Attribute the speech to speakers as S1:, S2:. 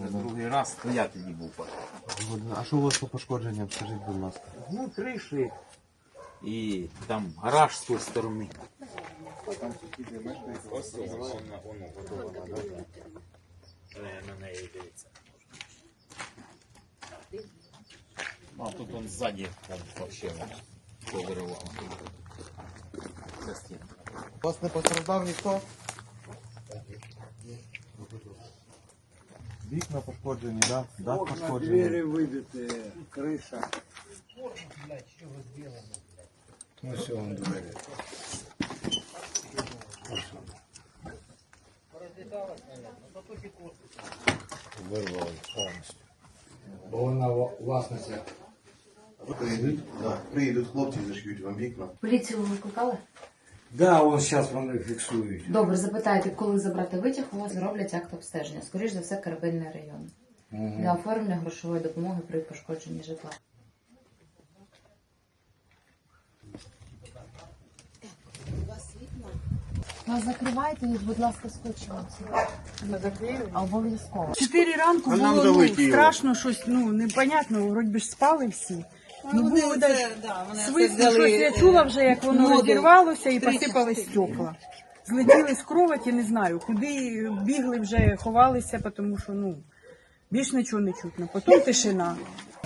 S1: вже другий раз, то я тоді був.
S2: А що у вас по пошкодженням, скажіть, будь ласка?
S1: Ну, криші. І там гараж з тої сторони. Ось воно готове. На неї дивиться. А тут он ззаді вообще повиривало. За стіну.
S2: У вас не постраждав ніхто? Вікна пошкоджені, да? Дах пошкоджений.
S3: Двери выбиты, крыша. Ну все, он двери. Вырвал полностью. Бо вона власності.
S2: Приїдуть? Да. Приїдуть хлопці, зашьють вам вікна.
S4: Поліцію ви викликали?
S3: Да, он зараз вони фіксують.
S4: Добре, запитайте, коли забрати витяг, у вас зроблять акт обстеження. Скоріш за все, Карабельний район. Для оформлення грошової допомоги при пошкодженні житла. Вас закривайте, будь ласка, скотчем. Обов'язково.
S5: 4 ранку було страшно, щось непонятно, вроді би ж спали всі. Було свист, щось я чула вже, як воно розірвалося і посипались стекла. Злетіли з кроваті, не знаю, куди бігли вже, ховалися, тому що більш нічого не чутно. Потім тишина.